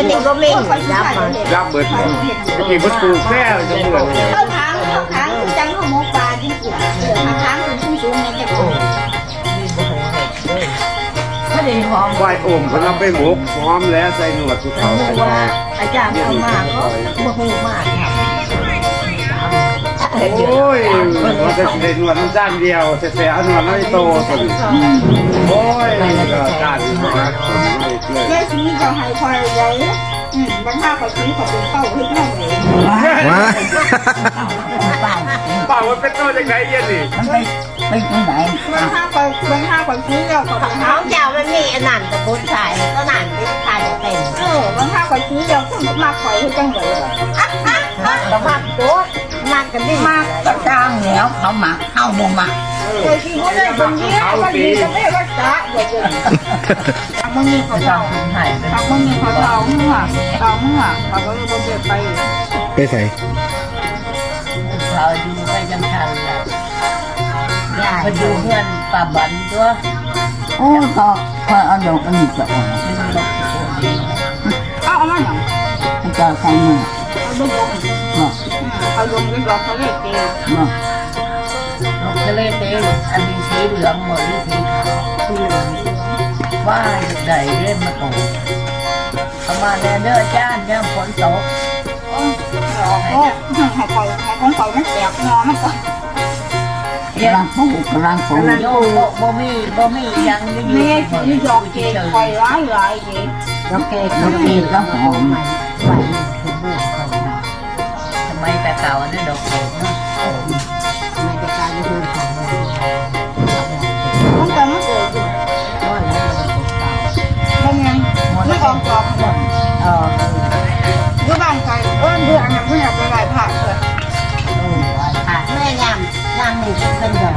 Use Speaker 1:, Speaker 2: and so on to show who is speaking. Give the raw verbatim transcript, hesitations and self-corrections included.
Speaker 1: นี่ก็ไม่ยับมา
Speaker 2: ยับเบิดกี่ประตูแค่จะเหมือน
Speaker 3: เข้าทางเข้าทางจังเขาหมกปลาจริงๆเสือทางทางสูงสูงในจะโกง
Speaker 1: ไม่ได้หอม
Speaker 2: ไหวโอ่งเขาเราไปหมกพร้อมแล้วใส่หนวดทุกเขา
Speaker 1: ว่าอาจารย์เอามาก็บ่ฮู้มากครับ
Speaker 2: โอ้ยเราจะได้หนวดน้ำจ้านเดียวแต่แต่เอาหนวดน้อยโตสุดโอ้ยก็จ้านนะ
Speaker 3: แม่ชี้จะให้คอยไว้อืมบางท่าเขาชี้เขาเป็นเป้าให้แม่เลย
Speaker 4: ว้า
Speaker 2: เปล่าว่าเป็นโตจากไหนเย็นนี่
Speaker 1: มันไปไปตรงไหน
Speaker 3: บางท่าเขาบางท่าเขาชี้เราเขาเป็น
Speaker 1: เขาเจ้ามันมีอันนั้นตะบุญใส่ก็นั่นเป็นใส่เต็ม
Speaker 3: เออบางท่าเขาชี้เราก็มาคอยให้จังเลย
Speaker 1: ก็มักตัวมักกันนี่มากก็จ้างแล้วเขาหมักเข้าบ่หมัก
Speaker 3: เคยชี้เขาเลยคนนี้คนนี้จะไม่รักษาเดี๋ยวจะทำมึงมีเขา
Speaker 1: จ้า
Speaker 3: เจ้าง
Speaker 1: คุณให้
Speaker 3: ทำมึงมีเขาเจ้ามึงอ่ะเจ้ามึงอ่ะเขาก็เลยบอกเดินไป
Speaker 4: ไปใส่
Speaker 1: เขาอยู่ไปจังชันแล้วไปดูเพื่อนป่าบันตัวโอ้ก็พอเอาดอกอันนี้จะออก
Speaker 3: เอาเอามาหนัง
Speaker 1: ให้เจ้าใส่มือ
Speaker 3: เอาลงลง
Speaker 1: เนาะ
Speaker 3: เอาลงกันดอกเขาเลยเก
Speaker 1: เนาะดอกทะเลเต้อันนี้สีเหลืองหมดหรือสีขาวสีเหลืองว่าใดเล่นมาตกเอามาแดนเดอร์จ้านย่ำฝนตก
Speaker 3: โอ้ให้ปล่อยให้ของปล่อยมันแตกงอมันก็
Speaker 1: กำลังปลูกกำลังปลูกโยบ่บ่มีบ่มียังอยู่
Speaker 3: เมียชี้ดอกเกปล่อยร้ายร้ายเก
Speaker 1: ดอกเกดดอกเกดแล้วหอมไหวคือบูดเขาทำไมแต่เก่าอันนี้ดอกเกดเนาะทำไมแต่เก่าไม่ดูของมัน
Speaker 3: มันก็มันเกิดอยู่
Speaker 1: ว่าแล้วมันเก่า
Speaker 3: เป็นยังไม่ออกดอกหมด
Speaker 1: เออ
Speaker 3: อยู่บ้านใครเอิ้นเบื่ออันนั้นเพื่อนไปหลายผักเลย
Speaker 1: เออผ่านแม่ยำยำนี่เป็นดอก